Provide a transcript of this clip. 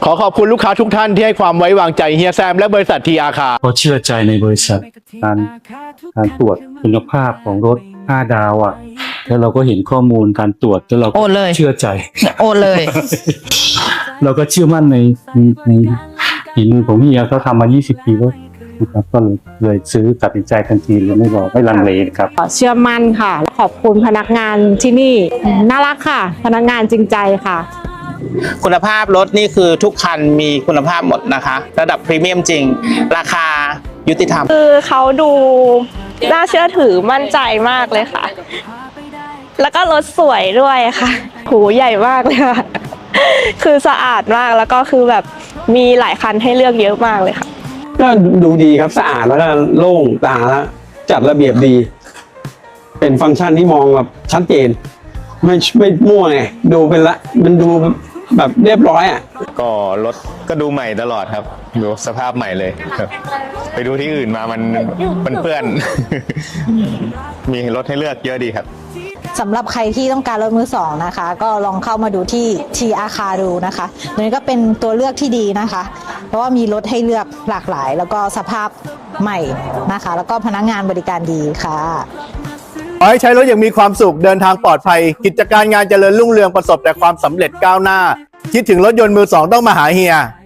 ขอขอบคุณลูกค้าทุกท่านที่ให้ความไว้วางใจเฮียแซมและบริษัททีอาคาเพราะเชื่อใจในบริษัทการตรวจคุณภาพของรถ5 ดาวอ่ะแล้วเราก็เห็นข้อมูลการตรวจแล้วเราก็เชื่อใจโอนเลยเราก็เชื่อมั่นในฝีมือของเฮียเขาทำมา20 ปีแล้วนะครับก็เลยซื้อตัดสินใจทันทีเลยไม่รอไม่ลังเลครับเชื่อมั่นค่ะขอบคุณพนักงานที่นี่น่ารักค่ะพนักงานจริงใจค่ะคุณภาพรถนี่คือทุกคันมีคุณภาพหมดนะคะระดับพรีเมียมจริงราคายุติธรรมคือเขาดูน่าเชื่อถือมั่นใจมากเลยค่ะแล้วก็รถสวยด้วยค่ะหูใหญ่มากเลยค่ะคือสะอาดมากแล้วก็คือแบบมีหลายคันให้เลือกเยอะมากเลยค่ะก็ดูดีครับสะอาดแล้วก็โล่งตาแล้วจัดระเบียบดีเป็นฟังก์ชันที่มองแบบชัดเจนไม่มั่วไงดูเป็นละมันดูแบบเรียบร้อยอ่ะก็รถก็ดูใหม่ตลอดครับดูสภาพใหม่เลยครับไปดูที่อื่นมามันเปื้อน มีรถให้เลือกเยอะดีครับสำหรับใครที่ต้องการรถมือสองนะคะก็ลองเข้ามาดูที่ทีอาคาดูนะคะนี่ก็เป็นตัวเลือกที่ดีนะคะเพราะว่ามีรถให้เลือกหลากหลายแล้วก็สภาพใหม่นะคะแล้วก็พนักงานบริการดีค่ะขอให้ใช้รถอย่างมีความสุขเดินทางปลอดภัยกิจการงานเจริญรุ่งเรืองประสบแต่ความสำเร็จก้าวหน้าคิดถึงรถยนต์มือสองต้องมาหาเฮีย